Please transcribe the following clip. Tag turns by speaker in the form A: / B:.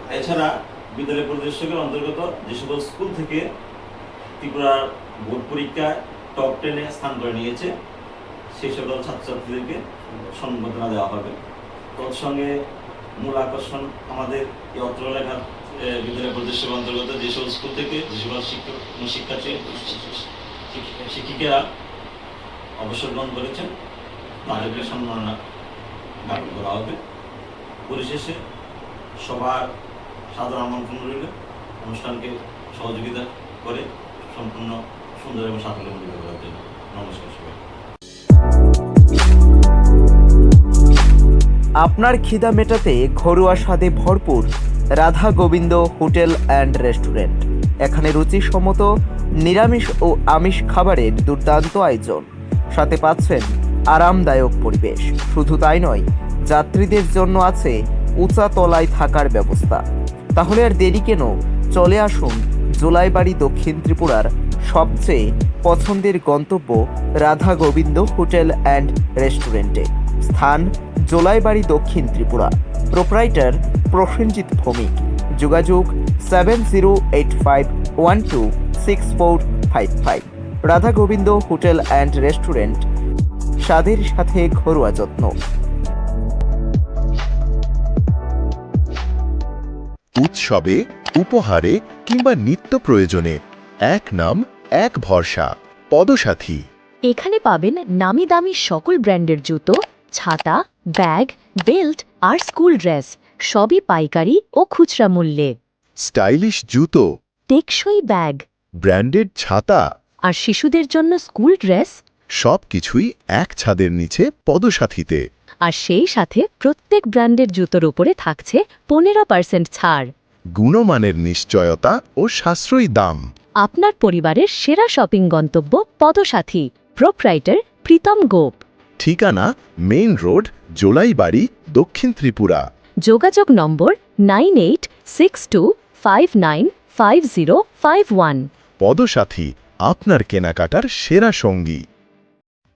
A: এছাড়া বিদ্যালয় পরিদর্শকের অন্তর্গত যে সকল স্কুল থেকে ত্রিপুরার বোর্ড পরীক্ষায় টপ 10-এ স্থান করে নিয়েছে সেই সকল ছাত্রছাত্রীদেরকে সম্বর্ধনা দেওয়া হবে। তৎসঙ্গে মূল আকর্ষণ আমাদের এই অত্র এলাকার বিদ্যালয় পরিদর্শকের অন্তর্গত যে সকল স্কুল থেকে যে সকল শিক্ষার্থী শিক্ষিকারা অবসর গ্রহণ করেছেন তাদেরকে সম্মাননা জ্ঞাপন করা হবে। পরিশেষে সবার সাধারণ আমন্ত্রণ রইল অনুষ্ঠানকে সহযোগিতা করে সম্পূর্ণ সুন্দর এবং সাফল্যমণ্ডিত করার জন্য। নমস্কার সবাই।
B: আপনার খিদা মেটাতে ঘরোয়া স্বাদে ভরপুর Radha Gobinda hotel and restaurant. এখানে রুচিসম্মত নিরামিষ ও আমিষ খাবারের দুর্দান্ত আয়োজন, সাথে পাচ্ছেন আরামদায়ক পরিবেশ। শুধু তাই নয়, যাত্রীদের জন্য আছে উঁচা তলায় থাকার ব্যবস্থা। তাহলে আর দেরি কেন, চলে আসুন জোলাইবাড়ি দক্ষিণ ত্রিপুরার সবচেয়ে পছন্দের গন্তব্য রাধা গোবিন্দ হোটেল অ্যান্ড রেস্টুরেন্টে। স্থান জোলাইবাড়ি দক্ষিণ ত্রিপুরা। প্রোপ্রাইটার প্রসেনজিৎ ভৌমিক। যোগাযোগ 7085126455। Radha Gobinda hotel and restaurant, স্বাদের সাথে ঘরোয়া যত্ন।
C: উৎসবে, উপহারে কিংবা নিত্য প্রয়োজনে এক নাম এক ভরসা, পদসাথী।
D: এখানে পাবেন নামি দামি সকল ব্র্যান্ডের জুতো, ছাতা, ব্যাগ, বেল্ট আর স্কুল ড্রেস, সবই পাইকারি ও খুচরা মূল্যে।
C: স্টাইলিশ জুতো,
D: টেকসই ব্যাগ
C: ব্র্যান্ডেড ছাতা,
D: আর শিশুদের জন্য স্কুল ড্রেস,
C: সবকিছুই এক ছাদের নিচে পদসাথীতে।
D: আর সেই সাথে প্রত্যেক ব্র্যান্ডের জুতোর উপরে থাকছে 15% ছাড়।
C: গুণমানের নিশ্চয়তা ও সাশ্রয়ী দাম।
D: আপনার পরিবারের সেরা শপিং গন্তব্য পদসাথী। প্রোপ্রাইটার প্রীতম গোপ।
C: ঠিকানা মেইন রোড, জোলাইবাড়ি, দক্ষিণ ত্রিপুরা।
D: যোগাযোগ নম্বর 9862595051।
C: পদসাথী, আপনার কেনাকাটার সেরা সঙ্গী।